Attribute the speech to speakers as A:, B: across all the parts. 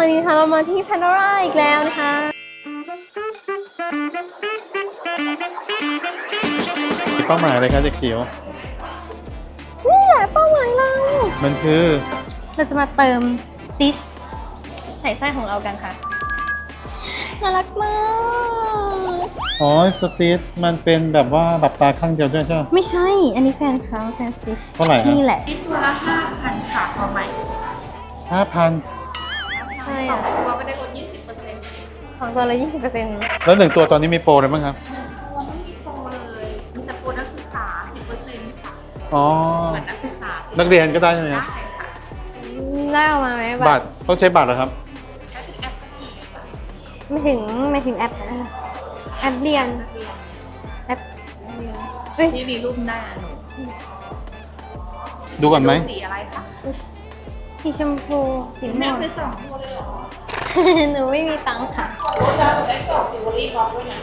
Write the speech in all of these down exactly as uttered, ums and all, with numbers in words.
A: วันนี้ค่ะเรามาที่ Pandora อีกแล้วนะคะ
B: มีเป้าหมายอะไรคะเด็กจิ๋ว
A: นี่แหละเป้าหมายเรา
B: มันคือ
A: เราจะมาเติม Stitch ใส่ไส้ของเรากันค่ะน่ารักมาก
B: อ๋อสตีทมันเป็นแบบว่าหลับตาข้างเดียวด้วยใช่ไหม
A: ไม่ใช่ อันนี้แฟนเขาแฟน Stitch
B: เท่าไหร่ครับ
A: นี่แหละ
C: ที่ตัวละห้าพันค่ะพอใหม่
B: ห้าพัน
A: ใช่
C: สอ
A: อ่ะ
C: งตัวไม่ได้ลดยี่สิบเปอร์เซ็นต์
A: ของตัวละยี่สิบเปอร์เซ็นต์
B: แล้วหนึ่งตัวตอนนี้มีโปรอะไรบ้างครับ
C: ตัวไม่มีโปรเลยมีแต่โปรนักศึกษาสิบเปอร์เซ็นต์ค่ะ
B: อ๋อ
C: เหมือนนักศึกษา
B: นักเรียนก็ได้ใช่ไหมครับ
C: ได้ค่ะ
A: ได้ออกมาไหม
B: บัตรต้องใช้บัตรเหรอครับ
C: ใช้เป็นแอปก็ดีค่ะ
A: ไม่ถึงไม่ถึงแอปนะแอปเรียน
C: นักเรียน
A: แอปเรียนเฮ้ย
C: ที่มีรูปหน้าหนู
B: ดูก่อนไหม
C: สีอะไรคะ
A: สีชมพูสี
C: แม่
A: ม่วง
C: ไปสองตัวเลยเหรอ
A: หนูไม่มีตังค์ค่ะ
C: โอ้จ้าหนูได้กล่องจิวเวลรี่บล็อกด้วยนะ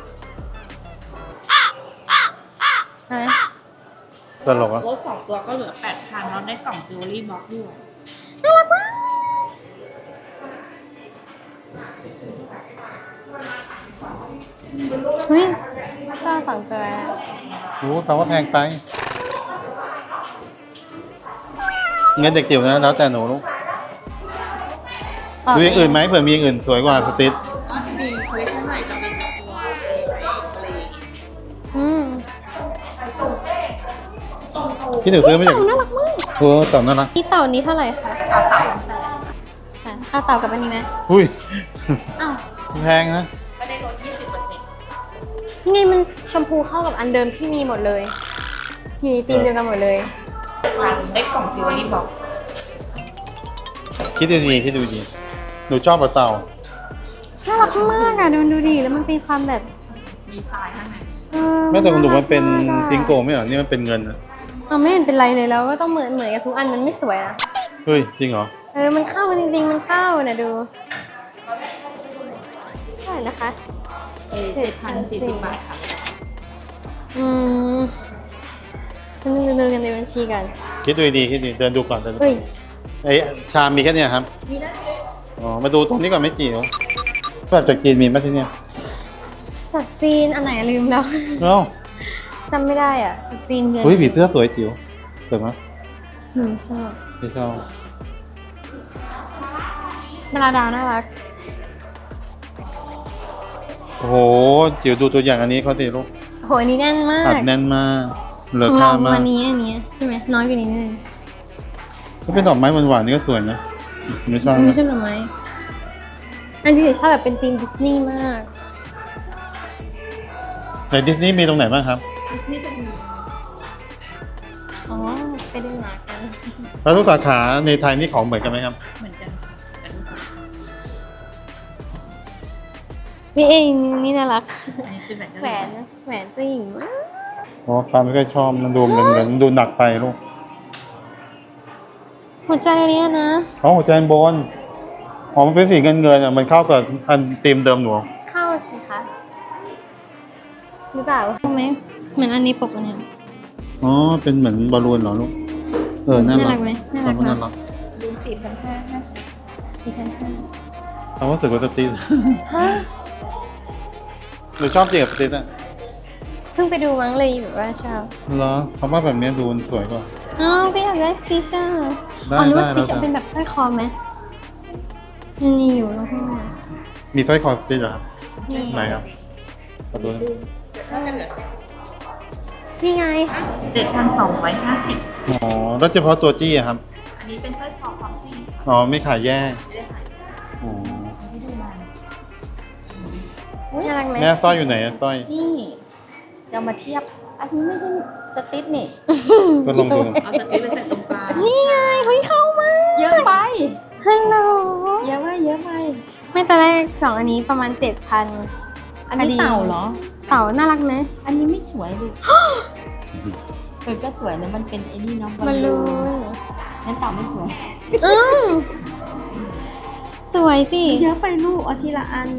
A: ฮะ
B: ตลกอ่ะ
C: ลดสองตัวก็เหลือแปดพันแล้วได้กล่องจิวเวลรี่บล็อกด้วย
A: น่ารักมากเฮ้ยตัวสองตัว
B: โอ้แต่ว่าแพงไปเงินเด็กจิ๋วนะแล้วแต่หนูลูกดูอย่างอื่นไหมเผื่อมีอย่างอื่นสวยกว่าสตีท
C: ก็จะมีคอลเลคชันใหม่จะเป็นตัวอะไร
A: อืม
B: ที่หนูซื้อมาจาก
A: เต่าน่ารักมาก
B: โอ้เต่าน่ารัก
A: นี่เต่านี้เท่าไหร่คะ
C: เอาสาม
A: ค่ะเอาเต่ากับอันนี้ไหม
B: อุ้ย
A: อ้าว
B: แพงนะ
C: ไม่ได้ลดยี่สิบเปอร์เซ็นต์
A: นี่ไงมันชมพูเข้ากับอันเดิมที่มีหมดเลย อยู่ในธีมเดียวกันหมดเลย
C: พันได้กล่องจิวเวลรี่บล็อก
B: คิดดูดีคิดดูดีหนูชอบปลาเต่า
A: น่ารักมากอ่ะดูมันดูดีแล้วมันเป็นความแบบ
C: มีทรายข้างใน
A: เออ
B: แม้แต่ของหนูมันเป็น
A: ารักอะ
B: พิงโกไม่เหรอนี่มันเป็นเงินนะ
A: เอาไม่เห็นเป็นไรเลยแล้วก็ต้องเหมือนเหมือนกับทุกอันมันไม่สวยนะ
B: เฮ้ยจริงเหรอ
A: เออมันเข้าจริงๆมันเข้านะดูเท่าไหร่นะคะ
C: เจ็ดพันสี่สิบบาทค่ะ
A: อืมดูดูกันในบัญชีกัน
B: คิดดูดีคิดดูเดินดูก่อนเดินดูก่
A: เฮ้
B: อย นไอชามมีแค่เนี้ยครับ
C: มีได้
B: อ๋อมาดูตรงนี้ก่อนไม่จิ๋วแบบจากจีนมีไหมที่เนี้ย
A: จากจีนอันไหนลืมแล้ว
B: เอ้า
A: จำไม่ได้อ่ะจากจีนเงิน
B: เฮ้ยผีเสื้อสวยจิ๋วสวยไหม
A: อืมชอบ
B: ไม่ชอบ
A: เวลาดาวน่ารัก
B: โอ้โหจิ๋วดูตัวอย่างอันนี้เขาสิลูก
A: โหอันนี้แน่นมา
B: อั
A: ก
B: ดแน่นมากเหลือ
A: ของ
B: ค่า
A: เรา
B: มาก
A: วันนี้อันนี้ใช่ไหมน้อยกว่านี้นิดนึง
B: ถ้าเป็นดอกไม้หวานๆนี่ก็สวยนะไม่ชอบ
A: ไม่
B: นะ
A: ใช่หรอไหมอันจริงๆชอบแบบเป็นธีมดิสนีย์มาก
B: ในดิสนีย์มีตรงไหนบ้างครับ
C: ดิสนีย์เป็น
A: อ๋อไปดูหนังกัน
B: แล้วทุกสาขาในไทยนี่ของเหมือนกันไหมครับ
C: เหมือนกันแต่ดูสิ
A: นี่เองนี่น่ารัก
C: อันนี้คือแบบ
A: แหวนแหวนเจ้าหญิงมาก
B: อ๋อปาไม่ค่อยชอบมันดูมันเหมือนดูหนักไปลูก
A: หัวใจอันเนี้ยนะ
B: อ๋อหัวใจอันบนอ๋อมันเป็นสีเงินเงินอ่ะมันเข้ากับอันธีมเดิมหนู
A: เข้าสิคะหรือเปล่าใช่ไหมเหมือนอันนี้ปกอันเนี้ย
B: อ๋อเป็นเหมือนบอลลูนเหรอลูกเออน่า
A: น่า
B: รั
A: รั
B: ก
A: กไหมน่ารัก
B: น่า
A: เนาะ
B: รัก
C: ดูสี่พันห้าห้าสิบ
A: สี่พันห้า
B: คำว่าสวยกว่าสตีท
A: ฮะ
B: หนูชอบจริงกับสตีทอ่ะ
A: เพิ่งไปดูมั้งเลยแบบว่าชอบ
B: เหรอคำว่าแบบนี้ดูสวยกว่า
A: อ๋อก็อยากได้สติชอ่ะ
B: ได้
A: อ๋อนึกว่าส
B: ได้
A: ติช
B: ได้
A: เป็นแบบสร้อยคอไหมมันมีอยู่แล้วข้างใน
B: มีสร้อยคอสตีทเหรอครับ
A: นี่
B: ไหนครับขอดูหน่อย
C: น่าจะเหลือ
A: นี่ไง
C: เจ็ดพันสองร้อยห้าสิบ
B: อ๋อแล้วเฉพาะตัวจี้อะครับ
C: อันนี้เป็นสร้อยคอความจริงค่ะ
B: อ๋อไม่ขายแยก
C: ไม่ได้ขาย
B: อ๋อ
C: ไม่ได้ดูมา
A: น่ารักไหม
B: แม่สร้อยอยู่ไหนอะสร้อย
C: นี่จะเอามาเทียบ
A: อันนี้ไม่ใช่สติชนี่
B: ก็ลองดู
C: เอาสติ๊กไปใส่ตรงกลาง
A: นี่ไงเฮ้ยเข้ามา
C: เยอะไป
A: ฮัลโหล
C: เยอะไปเยอะไป
A: ไม่ตอนแรกสองอันนี้ประมาณเจ็ดพัน
C: อันนี้เต่าเหรอ
A: เต่าน่ารักไหม
C: อันนี้ไม่สวยลูกเออก็สวยนะมันเป็นไอ้นี่เนาะ
A: บอลลูน
C: งั้นเต่าไม่สวย
A: อืมสวยสิ
C: เยอะไปลูกเอาทีละอัน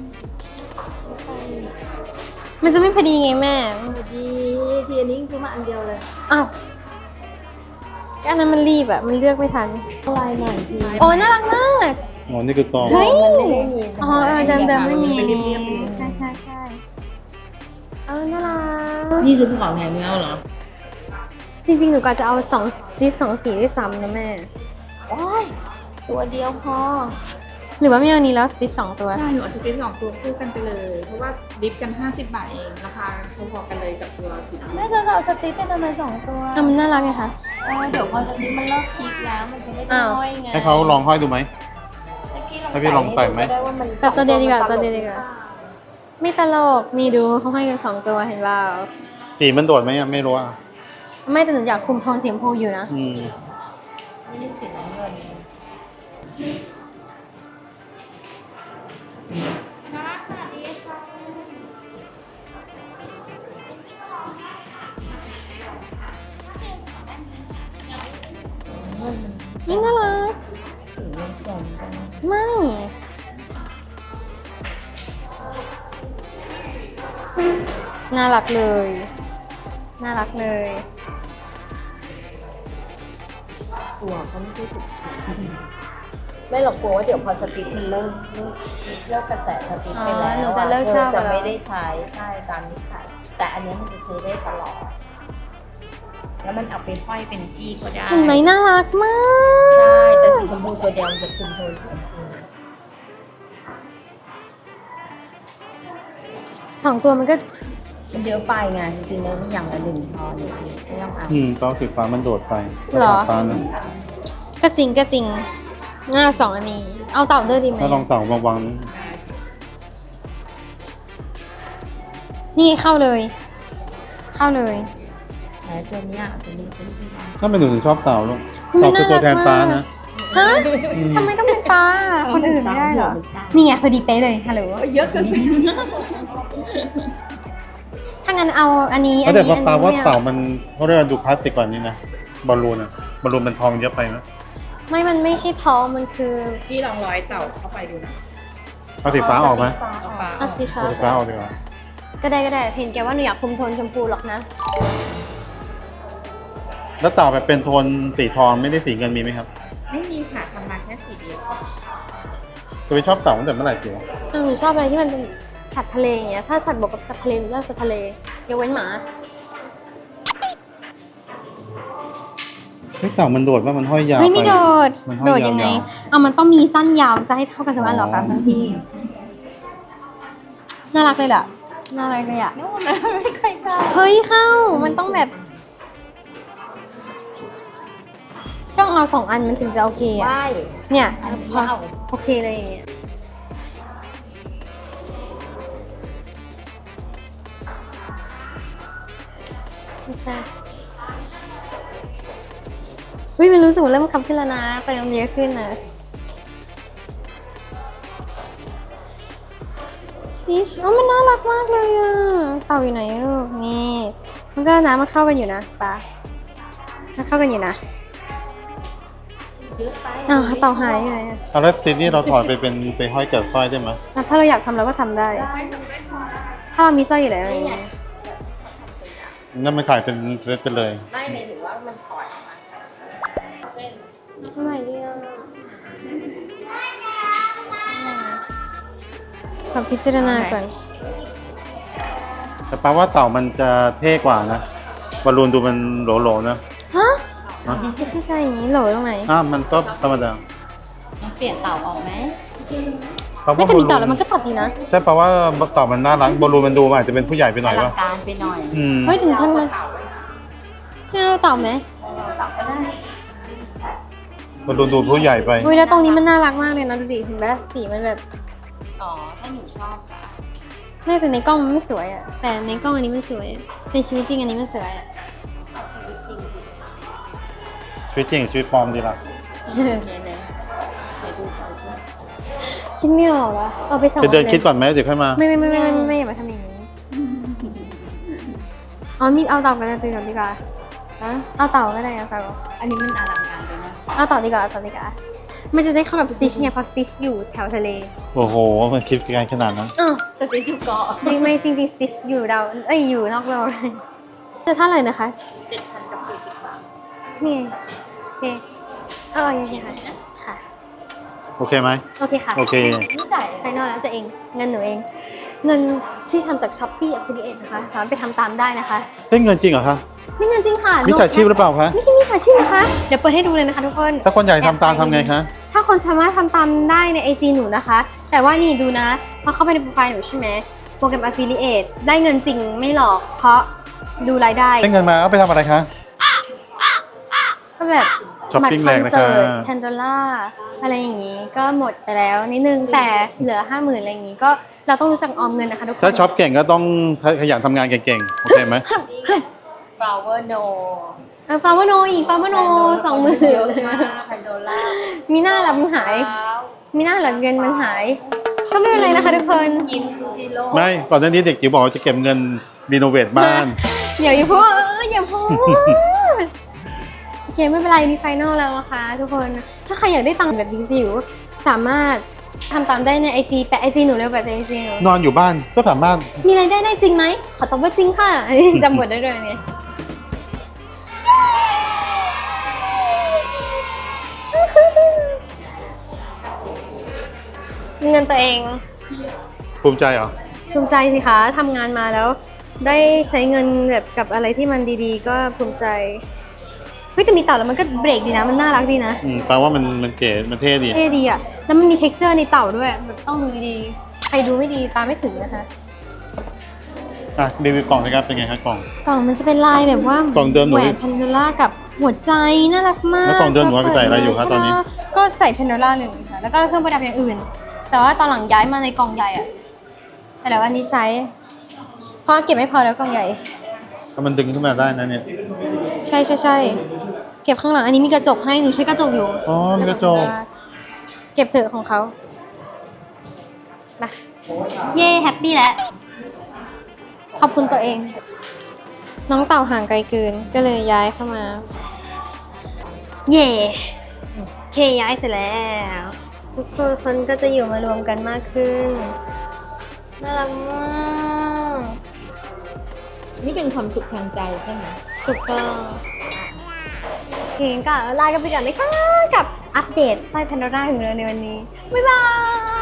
A: มันจะไม่พอดีไงแม่
C: ดีทีอันนี้ซื้อมาอันเดียวเลย
A: อ้าวก็อันนั้นมันรีบอะมันเลือกไม่ทัน
C: ลายหน่อยที
A: โอ้น่ารักมาก
B: อ๋อนี่คือตอง
A: เฮ้ย
C: มันไม่ได้มี
A: อ๋อเออเดิมเดิมไม่มี
C: น
A: นี่
C: เรียบๆเลย
A: ใช่ใช่ใช่เออน่ารัก
C: นี่คือภูเขาแหงเงี้ยเหรอ
A: จริงๆ หนูก็จะเอาสองดิสสองสีด้วยซ้ำนะแม่
C: โอ้ยตัวเดียวพอ
A: หรือว่าไม่เอานี้แล้วดิสสองตัว
D: ใช่หนูเอาสติ๊กสองตัวคู่กันไปเลย เพราะว่าดิฟกัน ห้าสิบบาทเอง ราคาพอๆกันเลยกับตัวสีดำ
C: แม่จะเอาสติ๊กเป็นตัวละสองตัว
A: อ่ะมันน่ารักไงคะ
C: เออเดี๋ยวพอสติ๊กมันเลิกคลิกแล้วมันจะไม่ได้
A: อ้าว
C: ห้อยไง
B: ให้เขาลองห้อยดูไหม ให้พี่ลองใส่ไหม
C: ด้ว่ามัน
A: แต่ตัวเดียวดีกว่าตัวเดียวดีกว่า ไม่ตลก นี่ดูเขาให้กันสองตัวเห็นเปล่า
B: สีมันโดดไหมอะไม่รู้อ่ะ
A: ไม่แต่หนูอยากคุมโทนสีชมพูอยู่นะ
B: อืม
C: นี่สีน้ำเงิน
A: นี่น่ารัก
C: สีมันตรงกัน
A: ไม่ น่ารักเลย น่ารักเลย
C: ตัวเขาไม่ได้ถูกไม่หรอกกลัวว่าเดี๋ยวพอสติ๊กมันเลิกเลิกเลิกกระแสสติ๊กไปแล้ว
A: อ๋อหนูจะเลิกชอบ
C: จะ
A: แล้ว
C: ไม่ได้ใช้ใช่ตามนิสัยแต่อันเนี้ยมันจะใช้ได้ตลอด แล้วมันเอาไปห้อยเป็นจี้ก็ได้
A: เห็นไหมน่ารักมาก
C: ใช่แต่สีชมพูตัวเดียวมันจะคุมโทนสีชมพู
A: สองตัวมันก็
C: มันเยอะไปไงจริงๆแล้วมีอย่างละหนึ่งพอเนี่ยไม่ต้องเอา
B: อืมตองสีฟ้ามันโดดไป
A: เหรอ
B: ฟ้านะ
A: ก็จริงก็จริงหน้าสองอันนี้ เอาเต่าด้วยดีไหม
B: ถ้าลองเต่ามาวาง
A: นี่เข้าเลย เข้าเลย
C: ไหนตัวเนี้ยตัวนี้ตัวนี้
B: ถ้าเป็นหนูถึงชอบเต่าลูก
A: มัน
B: เต่าคือตัวแทน
A: น่ารัก
B: ฟ้าม
A: าก
B: นะ
A: ฮะทำไมต้องเป็นปลาคนอื่นไม่ได้เหรอ นี่ไงพอดีเป๊ะเลยฮัลโหล
D: เยอะเกินไป
A: ถ้างั้นเอาอันนี้อัน
B: แต่
A: นี้
B: ปลา
A: อัน
B: ปลา
A: นี้
B: ว่า
A: ไม่
B: เต่า
A: เอา
B: มันเขาเรียกว่าดูคลาสสิกกว่านี้นะบอลลูนอะบอลลูนมันทองเยอะไปไหม
A: ไม่มันไม่ใช่ท้องมันคือ
D: พี่ลองร้อยเต่าเข้าไปดูนะ
B: เอาสีฟ้าออกไหม
D: เอาปลา
A: เอาสีฟ้า
B: เอาสีฟ้าออกดีกว่า
A: ก็ได้ก็ได้เห็นแกว่าหนูอยากคุมโทนชมพูหรอกนะ
B: แล้วเต่าแบบเป็นโทนสีทองไม่ได้สีเงินมีไหมครับ
D: ไม่มีค่ะทำมาแค่สีเดียว
B: ตัวไปชอบเต่าตั้งแต่เมื่อไหร่จิ๋ว
A: อ้าวหนูชอบอะไรที่มันเป็นสัตว์ทะเลอย่างเงี้ย ถ้าสัตว์บกกับสัตว์ทะเลหนูเลือกสัตว์ทะเลยกเว้นหมา
B: เฮ้ยเต่ามันโดดว่ามันห้อยยาว
A: เฮ้ยไม่
B: ไป
A: โดด
B: มันห้อย
A: โดดยังไง
B: ยาว
A: เอามันต้องมีสั้นยาวจะให้เท่ากันทุกอันเหรอคะ
B: อ๋อ
A: คุณพี่ น่ารักเลยล่ะ น่ารักเลยอ่ะ
C: ไม่เคยเข้า
A: เฮ้ยเข้า มันต้องแบบ ต้องเอาสองอันมันถึงจะโอเคอะ
C: ไม่
A: เนี่ย
C: อัน
A: พ
C: เดี
A: อ
C: ยว
A: โอเคเลยอย่างเงี้ยค่ะวิมันรู้สึกว่าเริ่มคับขึ้นแล้วนะไปมันเยอะขึ้นนะสติชอ๋อมันน่ารักมากเลยอ่ะ เต่าอยู่ไหนลูกนี่มันก็น้ำมันเข้ากันอยู่นะปะมันเข้ากันอยู่นะ
C: เยอะไป
A: อ้าวเต่าหายอยู่ไหนอะ
B: เอาแล้วสตินี่เราถอดไปเป็นไปห้อยเกิดสร้อยได้ไหม
A: อ่ะถ้าเราอยากทำเราก็ทำได้ ถ้าเรามีสร้อยอยู่แล้วอะไรอย่างเงี้ย
B: นั่นมันขายเป็นเซตไปเลย
C: ไม่หมายถึงว่ามันถอดออกมาใส่เส้น
A: เท่าไหร่เดียวขอพิจารณาก่อน
B: แต่ปาว่าเต่ามันจะเท่กว่านะบอลลูนดูมันโหลๆนะ
A: ฮะ
B: ฮะ
A: ไม่ใจอย่างนี้โหลตรงไหน
B: อ่ะมันก็ธรรมดา
C: เปลี่ยนเต่าออกไหม
B: เพราะ
A: ไม่
B: ว่า
A: แต่มี
B: บอล
A: เต่า
B: ลู
A: แล้วมันก็ตัดดีนะ
B: ใช่เพราะว่าเต่ามันน่ารักบอลลูนมันดูมันอาจจะเป็นผู้ใหญ่ไปหน่อย
C: อลั
B: วะ
C: งการไปหน่อย
B: อืม
A: เฮ้ยถึงทั้งนั้นที่เราเต่าไหม
C: เต่าก็ได้
B: บอลลูนดูผู้ใหญ่ไป
A: อุ้ยแล้วตรงนี้มันน่ารักมากเลยนะดูดิเห็นไหมสีมันแบบ
C: อ๋อถ้าหนูชอบก็
A: ไม่แต่ในกล้องมันไม่สวยอะแต่ในกล้องอันนี้มันสวยอะในชีวิตจริงอันนี้มันสวยอะ
C: ชีวิตจริงสิ
B: ชีวิตจริงชีวิตปลอมดีละ
C: เนี่ยเนี่ยไปดูเต่าจริง
A: คิดไม่ออกวะเอาไปสอง
B: ไปเดิน
A: ลย
B: คิดก่อนไหมเดี๋ยวค่อยมา
A: ไม่ไม่ไม่ไม่ไม่ไม่อย่ามาทำอย่างนี้อ๋อมีเอาเต่ากันจริงๆดีกว่า
C: ฮะ
A: เอาเต่าก็ได้เอาเต่า
C: อันนี้มันอลังการไปนะ
A: เอาเต่าดีกว่าเอาเต่าดีกว่ามันจะได้เข้ากับสติชไงเพราะสติชอยู่แถวทะเล
B: โอ้โห มันคิดการขนาดนั้น
A: อ้าว
C: สติ๊กอยู่เกาะ
A: จริงไหมจริงจริงสติชอยู่ดาวเอ้ยอยู่นอกโลกเลยจะเท่าไหร่นะคะ
D: เจ็ดพันกับสี่สิบบาท
A: นี่ไงโอเคเออโอเคค่ะค่ะ
B: โอเคไหม
A: โอเคค่ะ
B: โอเค
C: นี่จ่าย
A: ไฟนอลแล้วจะเอง เงินหนูเอง เงินที่ทำจาก Shopee Affiliate นะคะ สามารถไปทำตามได้นะคะ
B: ได้เงินจริงเหรอคะ
A: นี่เงินจริงค่ะ
B: มิจฉาชีพหรือเปล่าคะ
A: ไม่ใช่มิจฉาชีพนะคะ เดี๋ยวเปิดให้ดูเลยนะคะทุกคน
B: ถ้าคนอยากทำตามทำไงคะ
A: ถ้าคนสามารถทำตามได้ใน ไอ จี หนูนะคะ แต่ว่านี่ดูนะ พอเข้าไปในโปรไฟล์หนูใช่ไหมโปรแกรม Affiliate ได้เงินจริงไม่หลอก เพราะดูรายได้
B: ได้เงินมาเอาไปทำอะไรคะ
A: ก็แบบ
B: Shopping
A: บัตรคอนเสิร์ต
B: แรงนะคะ
A: แพนโดล่าอะไรอย่างนี้ ก็หมดไปแล้วนิดนึง แต่เหลือห้าหมื่นอะไรอย่างนี้ ก็เราต้องรู้จักออมเงินนะคะทุกคน
B: ถ้าช็อปเก่งก็ต้องขยันทำงานเก่งๆ โอเคไหม
C: ฟลาวเวอร์โน
A: เออฟาร์มโนอีกฟาร์มโนสองหมื่น
C: เยอะมากแพนโดล่า
A: มีหน้าหลับมันหาย มีหน้าหลับเงินมันหาย ก็ไม่เป็นไรนะคะทุกคน
C: กินซูจิโร่
B: ไม่ ก่อนหน้านี้เด็กจิ๋วบอกว่าจะเก็บเงินรีโนเวทบ้าน
A: เดี๋ยวอย่าพูดเอออย่าพูดโอเคไม่เป็นไรนี่ไฟนอลแล้วนะคะทุกคน ถ้าใครอยากได้ตังค์แบบดิจิวสามารถทำตามได้ใน ไอ จี แปะ ไอ จี หนูเร็วแปะ ไอ จี หนู
B: นอนอยู่บ้านก็สามารถ
A: มีรายได้ได้จริงไหม ขอตอบว่าจริงค่ะ จำบทได้ด้วยเนี่ยเงินตัวเอง
B: ภูมิใจเหรอ
A: ภูมิใจสิคะทำงานมาแล้ว ได้ใช้เงินแบบกับอะไรที่มันดีๆ ก็ภูมิใจ เฮ้ยแต่มีเต่าแล้วมันก็เบรกดีนะ มันน่ารักดีนะ
B: อืมแปลว่ามันมันเก๋ มันเท่ดี
A: เท่ดีอ่ะ แล้วมันมี texture ในเต่าด้วยแบบต้องดูดีๆ ใครดูไม่ดีตามไม่ถึงนะคะ
B: อ่ะรีวิวกล่องนะครับ เป็นไงคะกล่อง
A: กล่องมันจะเป็นลายแบบว่าก
B: ล่องเดิมหนู
A: แหวนแพนโดล่ากับหัวใจน่ารักมาก
B: แล้วกล่องเดิมหนูเอาไปใส่อะไรอยู่คะตอนนี้
A: ก็ใส่แพนโดล่าเลยค่ะ แล้วก็เครื่องประดับอย่างอื่น แต่ว่าตอนหลังย้ายมาในกล่องใหญ่อะแต่เดี๋ยววันนี้ใช้ เพราะเก็บไม่พอแล้วกล่องใหญ่
B: ถ้ามันดึงขึ้นมาได้นะเนี่ย
A: ใช่ใช่ใช่เก็บข้างหลังอันนี้มีกระจกให้หนูใช้กระจกอยู่
B: อ๋อ มีกระจก
A: เก็บเถอะของเขามาเย่แฮปปี้แล้ว ขอบคุณตัวเอง น้องเต่าห่างไกลเกินก็เลยย้ายเข้ามา เย่เคย้ายเสร็จแล้ว ทุกคนก็จะอยู่มารวมกันมากขึ้น น่ารักมาก
C: นี่เป็นความสุขทางใจใช่ไหม
A: ถูกต้องโอเคก็ลากันไปก่อนนะคะกับอัปเดตสร้อยแพนโดร่าของเราในวันนี้ บ๊ายบาย